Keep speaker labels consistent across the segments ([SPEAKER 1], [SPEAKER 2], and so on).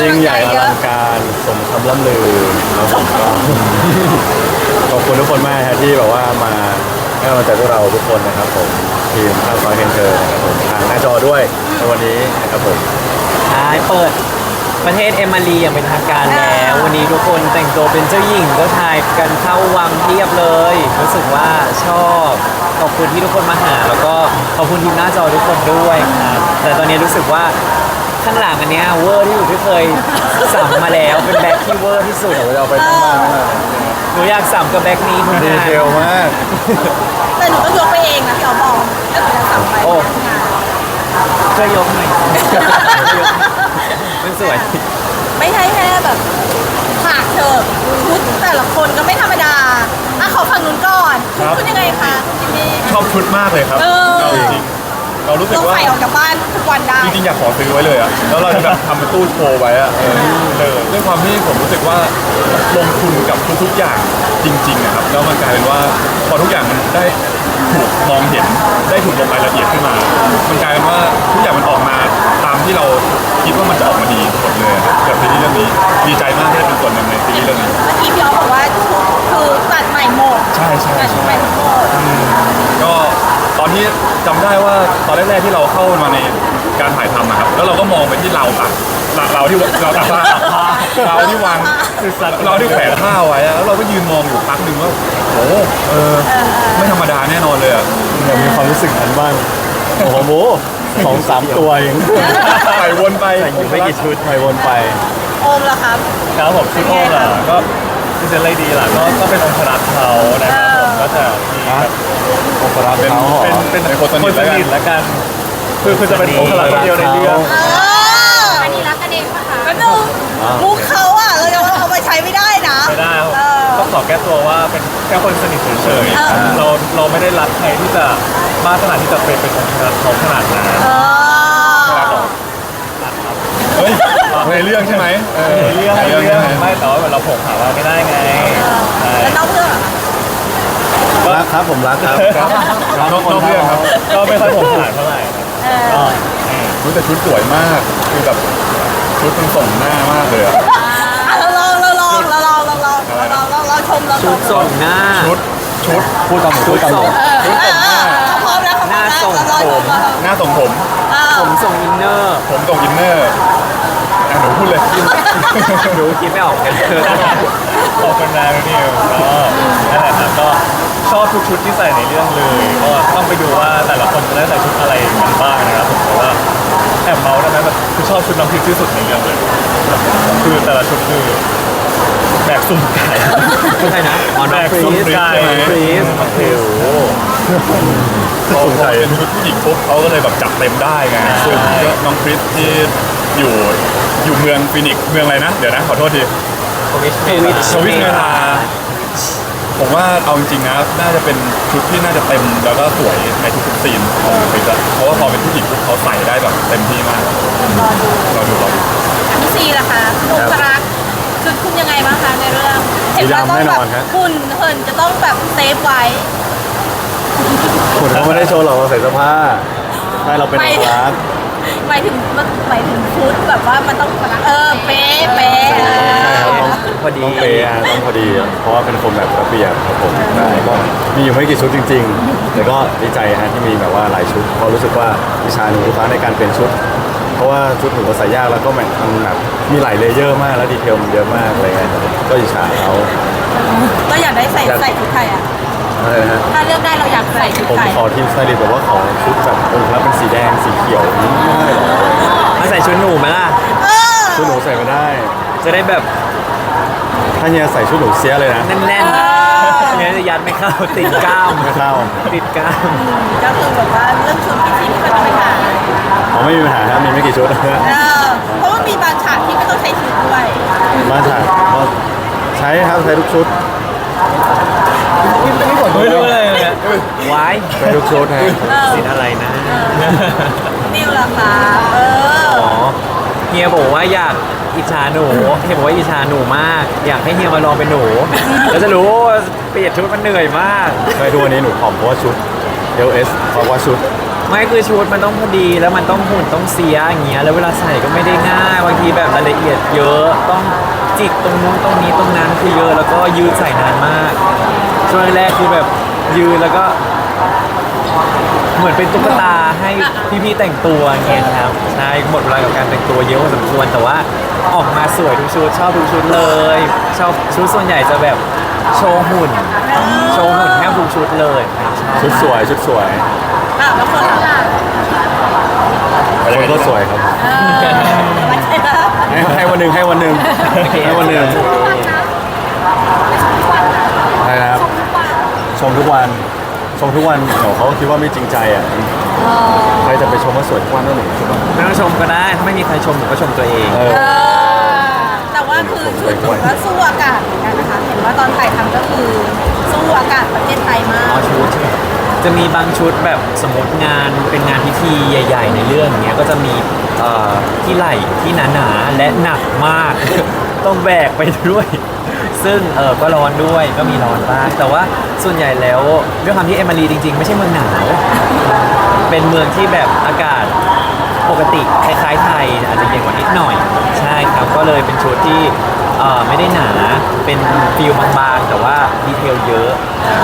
[SPEAKER 1] ยิ่งใหญ่อลังการสมคำล่ำลือครับผมก็ขอบคุณทุกคนมากครับที่แบบว่ามาให้กำลังใจพวกเราทุกคนนะครับผมทีมข้าวซอยเคนเตอร์นะครับผมทางหน้าจอด้วยในวันนี้นะครับผม
[SPEAKER 2] ใช่เปิดประเทศเอมารีอย่างเป็นทางการแล้ววันนี้ทุกคนแต่งตัวเป็นเจ้าหญิงเจ้าชายกันเข้าวังเทียบเลยรู้สึกว่าชอบขอบคุณที่ทุกคนมาหา แล้วก็ขอบคุณทีมหน้าจอทุกคนด้วยครับแต่ตอนนี้รู้สึกว่าข้างหลังอันเนี้ยเวอร์ที่สุดที่เคยสัมมาแล้วเป็นแบ็คที่เวอร์ที่สุด
[SPEAKER 1] เดี๋ยวเราไปข้างล่างนะ
[SPEAKER 2] หนูอยากสัมกับแบ็คนี้คุณ
[SPEAKER 1] ดี
[SPEAKER 2] นาย
[SPEAKER 1] เทลมาก
[SPEAKER 3] แต่หนูก็ยกไปเองนะพี่อ๋อบอกก็หนูจะสั่งไป
[SPEAKER 2] โอ้ช่วยยกหน่อยมันสวย
[SPEAKER 3] ไม่ใช่แค่แบบฉากเถอะชุดแต่ละคนก็ไม่ธรรมดาอ่ะขอฝั่งนู้นก่อนคุณยังไงคะคุณจิมมี่
[SPEAKER 4] ชอบชุดมากเลยครับ
[SPEAKER 3] เออ
[SPEAKER 4] เราจริงๆเรารู้สึก
[SPEAKER 3] ต้อง
[SPEAKER 4] ว่า
[SPEAKER 3] ใส่ออกจากบ้านทุกวันได้
[SPEAKER 4] จริงๆอยากขอซื้อไว้เลยอะแล้วเราจะแบบทำเป็นตู้โชว์ไว้อะด้วยความที่ผมรู้สึกว่าลงทุนกับทุกๆอย่างจริงๆนะครับแล้วมันกลายเป็นว่าพอทุกอย่างมันได้ถูกมองเห็นได้ถูกลงรายละเอียดขึ้นมา มันกลายเป็นว่าทุกอย่างมันออกมาตามที่เราคิดว่ามันจะออกมาดีหมดเลยครับกับซีรีส์เรื่องนี้ดีใจมากที่ได้เป็นส่วนหนึ่งในซีรีส์เรื่องนี้
[SPEAKER 3] เมื่อกี้พี่อ๋อบอกว่าชุดคือตัดใหม่หมด
[SPEAKER 4] ใช่ใช่
[SPEAKER 3] ตัดชุดใหม่ทั้งหมด
[SPEAKER 4] ก็ตอนที่จำได้ว่าตอนแรกๆที่เราเข้ามาในการถ่ายทำอะครับแล้วเราก็มองไปที่เราตักเราที่เราตักผ้าเราที่วางเราที่แขวนผ้าไว้อะแล้วเราก็ยืนมองอยู่พักหนึ่งว่าโอ้ไม่ธรรมดาแน่นอนเลยอะ
[SPEAKER 1] อยากมีความรู้สึกนั้นบ้างโอ้โห2-3 ตัวเอง
[SPEAKER 4] ใส่วนไป
[SPEAKER 1] ไม่กี่ชุดไปวนไป
[SPEAKER 3] โอมล่ะครับ
[SPEAKER 5] ครับผมซิโก้ล่ะก็พิเศษอะไรดีล่ะก็เป็นองค์รักเขานะครับผมก็จะมีแบบ
[SPEAKER 1] องค์รัก
[SPEAKER 4] เป็น
[SPEAKER 1] เขาเหรอ
[SPEAKER 4] เป็นคนส
[SPEAKER 5] คน
[SPEAKER 4] นิท
[SPEAKER 5] ส
[SPEAKER 4] แล้วกัน
[SPEAKER 5] นิทละกันคือจะเป็นองค์รักคนเดียวในเรื่อง
[SPEAKER 3] เอออันนี้รักกันเองปะคะก็ดูมุกเขาอ่ะเราจะเอาไปใช้ไม่ได้นะ
[SPEAKER 5] ไม่ได้ครับ
[SPEAKER 3] เออ
[SPEAKER 5] ต้องขอแก้ตัวว่าเป็นแค่คนสนิทเฉย
[SPEAKER 3] เออ
[SPEAKER 5] ๆเราไม่ได้รักใครที่จะมากขนาดที่จะเป็นองค์รักเขาขนาดนั้น
[SPEAKER 3] เออ
[SPEAKER 4] เฮ้ยในเรื่องใช่ไหม
[SPEAKER 5] ในเรื่อง
[SPEAKER 4] ในเรื่องใช่ไหม
[SPEAKER 5] ไม่แต่ว่าเราผงหาว่าไม่ได้ไงใช่
[SPEAKER 3] แล้วนอกเรื่องอะ
[SPEAKER 1] รักครับผมรักครับ
[SPEAKER 4] นอกเรื่องครับ
[SPEAKER 5] ก็ไม่ค่อยผงหาเท่าไหร่ครับ
[SPEAKER 3] เออ
[SPEAKER 5] ก็
[SPEAKER 4] รู้แต่ชุดสวยมากคือแบบชุดมันส่งหน้ามากเลยอะ
[SPEAKER 3] เราลองชมเราช
[SPEAKER 2] ชุ
[SPEAKER 3] ม
[SPEAKER 2] ดส่งหน้า
[SPEAKER 4] ชุด
[SPEAKER 1] พูดตามหมูพูดตามหมู
[SPEAKER 3] พร้อมแล้ว
[SPEAKER 2] หน้าส่งผม
[SPEAKER 4] หน้าส่งผม
[SPEAKER 2] ผมส่งอินเนอร์
[SPEAKER 4] ผมส่งอินเนอร์อ่ะหนูพูดเลย
[SPEAKER 2] ดูคิดไม่ออกกัน
[SPEAKER 5] ขอบคุณนะนิวก็นั่นแหละครับก็ชอบทุกชุดที่ใส่ในเรื่องเลยก็ต้องไปดูว่าแต่ละคนจะได้ใส่ชุดอะไรกันบ้างนะครับผมแต่ว่าแอบเมาส์ได้ไหมแบบคือชอบชุดน้ำพริกที่สุดในเรื่องเลยคือแต่ละชุดคือแบกสุ่มไก่
[SPEAKER 2] ใช่นะอ๋อน้
[SPEAKER 5] แบ
[SPEAKER 2] อง
[SPEAKER 5] ก
[SPEAKER 2] ฟรี
[SPEAKER 5] สุ่ม
[SPEAKER 2] ส
[SPEAKER 5] ไก่
[SPEAKER 2] ฟรีส
[SPEAKER 5] ฟรีส
[SPEAKER 4] พอเป็นชุดผู้หญิงปุ๊บเขาก็เลยแบบจัดเต็มได้ไงซึ่งก็น้องคริสที่อยู่เมืองฟินิกซ์เมืองอะไรนะเดี๋ยวนะขอโทษที
[SPEAKER 2] สวิช
[SPEAKER 4] สวิตเมทาผมว่าเอาจริงๆนะน่าจะเป็นชุดที่น่าจะเต็มแล้วก็สวยในทุกๆซีนของคริสอะเพราะว่าพอเป็นผู้หญิงปุ๊บเขาใส่ได้แบบเต็มที่มากเราดู
[SPEAKER 3] พี่ซีล่ะคะมุกรักชุดคุณยังไงบ้างคะในเรื่องเห็นว่าต้องแบบคุณเหินจะต้องแบบเซฟไว้
[SPEAKER 1] คุณเขาไม่ได้โชว์หรอกเราใส่เสื้อผ้าใช่เราเป็นองค์รัก
[SPEAKER 3] หมายถึงชุดแบบว่ามันต้องเป๊ะเป๊ะ
[SPEAKER 1] ใช่ครับต้อง
[SPEAKER 2] พอดี
[SPEAKER 1] ต้องเปย์อะต้องพอดี เพราะว่าเป็นคนแบบระเบียบครับผมใช่ก็มีอยู่ไม่กี่ชุดจริง ๆ แต่ก็ดีใจฮะที่มีแบบว่าหลายชุดเพราะรู้สึกว่าวิชาหนูทุกครั้งในการเปลี่ยนชุด เพราะว่าชุดหนูก็ใส่ยากแล้วก็มันแบบมีหลายเลเยอร์มากแล้วดีเทลมันเยอะมากอะไรเงี้ยก็อิจฉาเขา
[SPEAKER 3] เราอยากได้ใส่ชุดไทยอ่ะ
[SPEAKER 1] อะไรนะฮะ
[SPEAKER 3] ถ้าเลือกได้เราอยากใส่ชุด
[SPEAKER 1] ผม
[SPEAKER 3] ไทย
[SPEAKER 1] ขอทีมสไตลิสต์บอกว่าขอชุดแบบองค์แล้วเป็นสีแดงสีเขียวไม่ได้หรอ
[SPEAKER 2] มาใส่ชุดหนูไหมล่ะ
[SPEAKER 1] ชุดหนูใส่ไม่ได้
[SPEAKER 2] จะได้แบบ
[SPEAKER 1] ถ้าเฮียใส่ชุดหนูเสียเลยนะ
[SPEAKER 2] แน่นๆเนี่ยจะยัดไม่เข้าติดกล้าม
[SPEAKER 1] ไม่เข้า
[SPEAKER 2] ติดกล้าม
[SPEAKER 3] ก็คือแบบว่าเรื่องชุดพี่ซีไม่เป็นปัญหา
[SPEAKER 1] อ๋อไม่มีปัญหาครับมีไม่กี่ชุด
[SPEAKER 3] เพราะว่ามีบางฉากที่ไม่ต้องใช้ชุดด้วย
[SPEAKER 1] มาถ่ายก็ใช้ครับใช้ทุกชุด
[SPEAKER 5] ไม่รู้เลยเนี่ย
[SPEAKER 2] ไว้
[SPEAKER 1] ใช้ทุกชุดฮะ
[SPEAKER 2] สินอะไรนะ
[SPEAKER 3] นิวล่ะคะ
[SPEAKER 2] อ๋อเฮียบอกว่าอยากอิจฉาหนูเฮียบอกว่าอิจฉาหนูมาก อยากให้เฮียมาลองเป็นหนู แล้วจะรู้ว่าเปลี่ยนชุดมันเหนื่อยมาก
[SPEAKER 1] เคยดูวันนี้หนูผอมเพราะว่าชุด LS เพราะว่าชุด
[SPEAKER 2] ไม่คือชุดมันต้องพอดีแล้วมันต้องหุ่นต้องเสียอย่างเงี้ยแล้วเวลาใส่ก็ไม่ได้ง่ายบางทีแบบรายละเอียดเยอะต้องจิกตรงนู้นตรงนี้ตรงนั้นคือเยอะแล้วก็ยืดใส่นานมากช่วงแรกคือแบบยืนแล้วก็ เหมือนเป็นตุ๊กตาให้พี่ๆแต่งตัวอย่างเงี้ยครับใช่หมดเวลากับการแต่งตัวเยอะพอสมควรแต่ว่าออกมาสวยทุกชุดชอบทุกชุดเลยชอบชุดส่วนใหญ่จะแบบโชว์หุ่นแทบทุกชุดเลยครับชอบ
[SPEAKER 1] ชุดสวยชุดสวย
[SPEAKER 3] แล้วคนล่ะ
[SPEAKER 1] คนก็สวยครับ
[SPEAKER 3] มันใช่ไหม
[SPEAKER 1] ให้วันหนึ่งให้วันหนึ่งให้วันหนึ่งใช่ครับชมทุกวันชมทุกวันเดี๋ยวเขาคิดว่าไม่จริงใจอ่ะใครจะไปชมว่าสวยทุกวันนั่นหนึ่งใช่ปะ
[SPEAKER 2] ไม่ต้องชมก็ได้ถ้าไม่มีใครชมผมก็ชมตัวเอง
[SPEAKER 3] แต่ว่าคือชุดถือว่าสู้อากาศเหมือนกันนะคะ เห็นว่าตอนถ่ายทำก็คือสู้อากาศประเทศไทยมาก
[SPEAKER 2] เอาชุดใช่ไหมจะมีบางชุดแบบสมมติงานเป็นงานพิธีใหญ่ ๆ ในเรื่องอย่างเงี้ยก็จะมีที่ไหล่ที่หนาๆและหนักมาก ต้องแบกไปด้วย ซึ่งก็ร้อนด้วยก็มีร้อนบ้างแต่ว่าส่วนใหญ่แล้วด้วยความที่เอมารีจริง ๆ ไม่ใช่เมืองหนาวเป็นเมืองที่แบบอากาศปกติคล้ายๆไทยอาจจะเย็นกว่านิดหน่อยใช่ครับก็เลยเป็นชุดที่ไม่ได้หนาเป็นฟิลบางๆแต่ว่าดีเทลเยอะ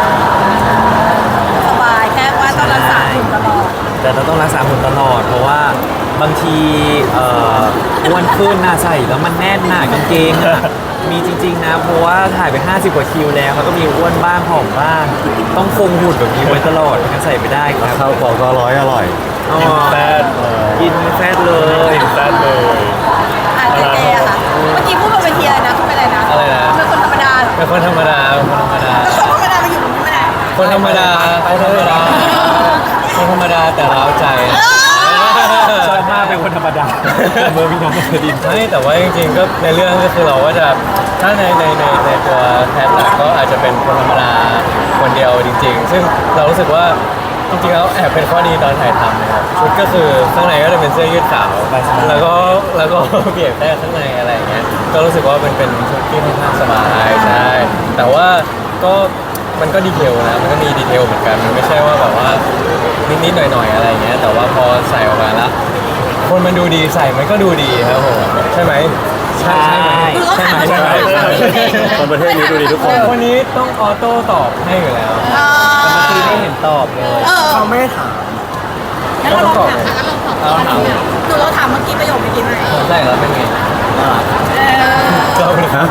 [SPEAKER 3] สบายแค่ว่าต้องรักษาหุ่นตลอด
[SPEAKER 2] แต่เราต้องรักษาหุ่นตลอด เพราะว่าบางทีอ้วนขึ้นหน้าใส่แล้วมันแน่นหนากางเกงอะมีจริงๆนะเพราะว่าถ่ายไป50กว่าคิวแล้วแล้วก็มีอ้วนบ้างผอมบ้าง ต้องคงหุ่นแบบนี้ไว้ตลอดไม่งั้นใส่ไม่ได้ครับ
[SPEAKER 1] ข้าวของก็อร่อย
[SPEAKER 2] อ๋อ
[SPEAKER 5] แซ่บ
[SPEAKER 2] กินแฟตเลย
[SPEAKER 5] แซ่บเลย
[SPEAKER 3] เจเจอะค่ะ เมื่อกี้พูดบนเวทีอะไรนะพูดไปอะไรนะ
[SPEAKER 2] อะไรนะ
[SPEAKER 3] เป็นคนธรรมดาเหรอ
[SPEAKER 2] เป็นคนธรรมดาเป็นคนธรรมดา
[SPEAKER 3] แล้วคนธรรมดามาอยู่ตรงนี้ไม่ได้
[SPEAKER 2] คนธรรมดาคนธรรมดาคนธรรมดาแต่ร้าวใจชอบมากเป็นคนธรรมดาเมื่อพี่น้องเคยดิน
[SPEAKER 6] ไม่แต่ว่าจริงๆก็ในเรื่องก็คือเราก็จะถ้าในตัวแทนหลักก็อาจจะเป็นคนธรรมดาคนเดียวจริง ๆ ซึ่งเรารู้สึกว่าจริงๆแล้วแอบเป็นข้อดีตอนถ่ายทำนะครับชุดก็คือข้างในก็จะเป็นเสื้อยืดขาวแล้วก็เปียกแค่ข้างในอะไรอย่างเงี้ยก็รู้สึกว่าเป็นชุดที่ค่อนข้างสบายใช่แต่ว่าก็มันก็ดีเทลนะมันก็มีดีเทลเหมือนกันมันไม่ใช่ว่าแบบว่านิดๆหน่อยๆอะไรอย่างเงี้ยแต่ว่าพอใส่ออกมาแล้ว คนมันดูดีใส่มันก็ดูดีครับผมใช่ไหมใช่ไหม
[SPEAKER 3] คือเขาถาม
[SPEAKER 6] ใช่ไหม
[SPEAKER 1] ๆคนประเทศนี้ดูดีทุกคน
[SPEAKER 6] วันนี้ต้องออโต้ตอบให้อยู่แล้ว
[SPEAKER 2] แต่เมื่อกี้ไม่เห็นตอบเลย
[SPEAKER 6] เขาไม่ได้ถาม
[SPEAKER 3] แล้วเราลองถามหนูเราถามเมื่อกี้ประโยคเมื่อกี้ไหม
[SPEAKER 6] ใช่แล้วเป็นไงเราเป็นครับ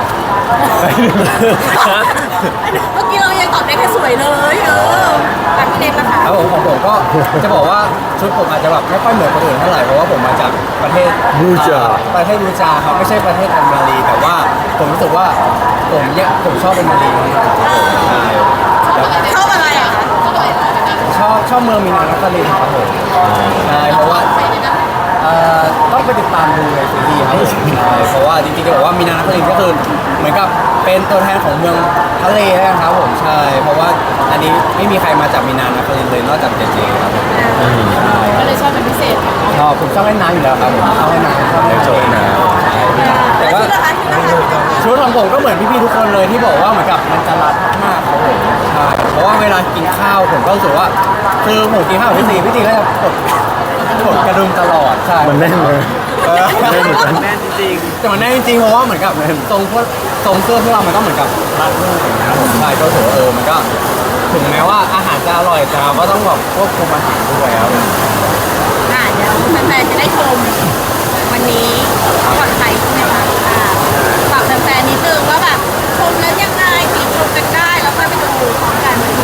[SPEAKER 3] เมื่อกี้เรายังตอบได้แค่สวยเลยแต่พี่เน็กนะคะ
[SPEAKER 6] ครับผมของผมก็จะบอกว่าชุดผมอาจจะแบบไม่ค่อยเหมือนคนอื่นเท่าไหร่เพราะว่าผมมาจากประเทศ
[SPEAKER 1] บูจา
[SPEAKER 6] ประเทศบูจาครับไม่ใช่ประเทศแอมมารีแต่ว่าผมรู้สึกว่าผมชอบแอมมารีมากใช่แล้ว
[SPEAKER 3] ชอบอะไรอ่ะคะ
[SPEAKER 6] ชอบเมืองมีนานครินทร์ครับผมใช่เพราะว่าต้องไปติดตามดูในซีรีส์ครับผมใช่เพราะว่าจริงๆจะบอกว่ามีนานครินทร์ก็คือเหมือนกับเป็นตัวแทนของเมืองทะเลแล้วกันครับผมใช่เพราะว่าอันนี้ไม่มีใครมาจากมีนานครินทร์เลยนอกจากเจเจครับผมใช่
[SPEAKER 3] ก็เลยชอบเป็นพิเศษ
[SPEAKER 6] ชอบผมชอบเล่นน้ำอยู่แล้วครับผมชอบเล่นน้ำชอบเล่น
[SPEAKER 1] ชอบเล่นน้ำ
[SPEAKER 6] ใช่แต่
[SPEAKER 3] แล้ว
[SPEAKER 6] ว่า
[SPEAKER 3] ชุดนะคะชุดนะคะ
[SPEAKER 6] ชุดของผมก็เหมือนพี่ๆทุกคนเลยที่บอกว่าเหมือนกับมันจะรัดมากๆครับผมใช่เพราะว่าเวลากินข้าวผมก็รู้สึกว่าคือผมกินข้าวกับพี่ตีก็จะกดกระดุมตลอดใช่
[SPEAKER 1] มันแน่นเลย
[SPEAKER 2] แน่นจริง
[SPEAKER 6] แต่มันแน่จริงๆเพราะว่าเหมือนกับทรงเสื้อพวกเรามันก็เหมือนกับรัดรูปอย่างเงี้ยผมใช่ก็รู้สึกว่ามันก็ถึงแม้ว่าอาหารจะอร่อยแต่เราก็ต้องแบบควบคุมอาหารด้วยครับ
[SPEAKER 3] เดี๋ยวแฟนๆจะได้ชมวันนี้ก่อนไทยใช่ไหมคะฝากแฟนๆนิดนึงว่าแบบชมแล้วยังไงติชมกันได้แล้วค่อยไปดูพร้อมกันวันที่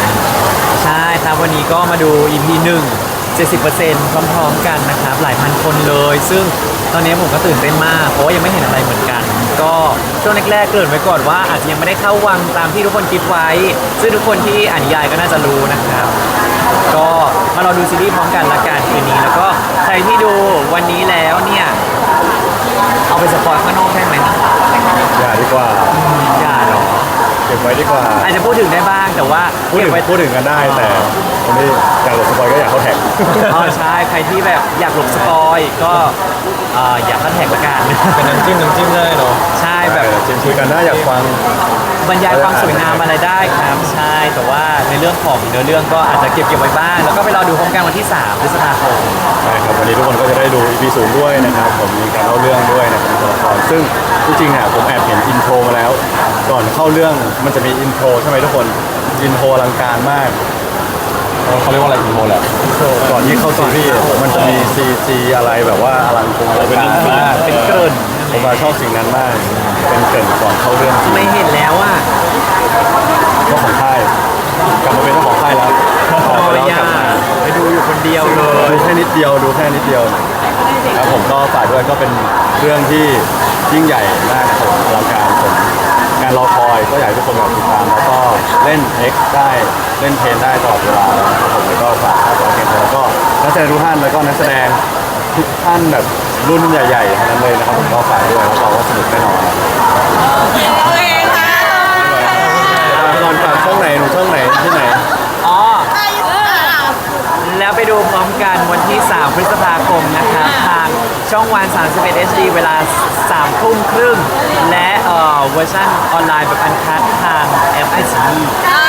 [SPEAKER 3] 3
[SPEAKER 2] ใช่ครับวันนี้ก็มาดู EP 1 70%พร้อมๆกันนะครับหลายพันคนเลย ซึ่งตอนนี้ผมก็ตื่นเต้นมากเพราะว่ายังไม่เห็นอะไรเหมือนกัน ก็ช่วงแรกๆเกริ่นไว้ก่อนว่าอาจจะยังไม่ได้เข้าวังตามที่ทุกคนคิดไว้ ซึ่งทุกคนที่อ่านนิยายก็น่าจะรู้นะครับ ก็มารอดูซีรีส์พร้อมกันละกันคืนนี้ แล้วก็ใครที่ดูวันนี้แล้วเนี่ยเอาไปสปอยข้างนอกได้ไหมนะ
[SPEAKER 1] อย่าดีกว่า
[SPEAKER 2] อย่าหรอ
[SPEAKER 1] เก็บไว้ดีกว่า
[SPEAKER 2] อาจจะพูดถึงได้บ้างแต่ว่า
[SPEAKER 1] พูด
[SPEAKER 2] เก็
[SPEAKER 1] ถึ
[SPEAKER 2] บ
[SPEAKER 1] ง
[SPEAKER 2] ไว้
[SPEAKER 1] พูดถึงกันได้แต่คนที่อยากหลบสปอยก็อยากเข้าแท็ก
[SPEAKER 2] อ๋อใช่ใครที่แบบอยากหลบสปอยก็อยากเข้าแท็กละกัน
[SPEAKER 6] เป็นน้ำจิ้มได้เนาะ
[SPEAKER 2] ใช่แบบ
[SPEAKER 1] จริงคุยกันได้อยากฟัง
[SPEAKER 2] บรรยายความสวยงามอะไรได้ครับใช่แต่ว่าในเรื่องของเนื้อเรื่องก็อาจจะเก็บไว้บ้างแล้วก็ไปรอดูพร้อมกันวันที่3 พฤษภาคม
[SPEAKER 1] ใช่ครับวันนี้ทุกคนก็จะได้ดู EP 0ด้วยนะครับผมมีการเล่าเรื่องด้วยนะครับตัวละครซึ่งจริงๆเนี่ยผมแอบเห็นอินโทรมาแล้ว ก่อนเข้าเรื่องมันจะมีอินโทรใช่ไหมทุกคนอินโทรอลังการมากเขาเรียกว่าอะไรอินโทรแหละก่อนที่เข้าซีรีส์มันจะมีCGอะไรแบบว่าอลังการมาก
[SPEAKER 2] เป็นเกริ่น
[SPEAKER 1] ผมมาชอบสิ่งนั้นมาก เป็นเกริ่นก่อนเข้าเรื่องจริง
[SPEAKER 2] ไม่เห็นแล้วอ่ะ
[SPEAKER 1] เจ้าของค่ายกลับมาเป็นเจ้าของค่ายแล้วออกไปแล้ว
[SPEAKER 2] อยาก
[SPEAKER 1] ลับมา
[SPEAKER 2] ไปดูอยู่คนเดียวเลย
[SPEAKER 1] ดูแค่นิดเดียวครับผมก็ฝากด้วยก็เป็นเรื่องที่ยิ่งใหญ่มากนะครับผมอลังการผมงานรอคอยก็อยากให้ทุกคนแบบติดตามแล้วก็เล่น X ได้เล่นเพนได้ตลอดเวลานะครับผมแล้วก็ฝากตัวเกมแล้วก็นักแสดงทุกท่านแล้วก็นักแสดงทุกท่านแบบรุ่นใหญ่ๆทั้งนั้นเลยนะครับผมก็ฝากด้วยรับรองว่าสนุกแน่นอน
[SPEAKER 3] โอเคค่ะ
[SPEAKER 1] ตอนฝากช่องไหนหนูช่องไหนที่ไหน
[SPEAKER 2] อ๋อ
[SPEAKER 3] อายุอ่ะ
[SPEAKER 2] แล้วไปดูพร้อมกันวันที่ 3 พฤษภาคมนะครับทางช่องวัน 31 HD เวลา 3 ทุ่มครึ่งและเวอร์ชันออนไลน์แบบอันคัดทางแอปไอซี
[SPEAKER 3] อ่า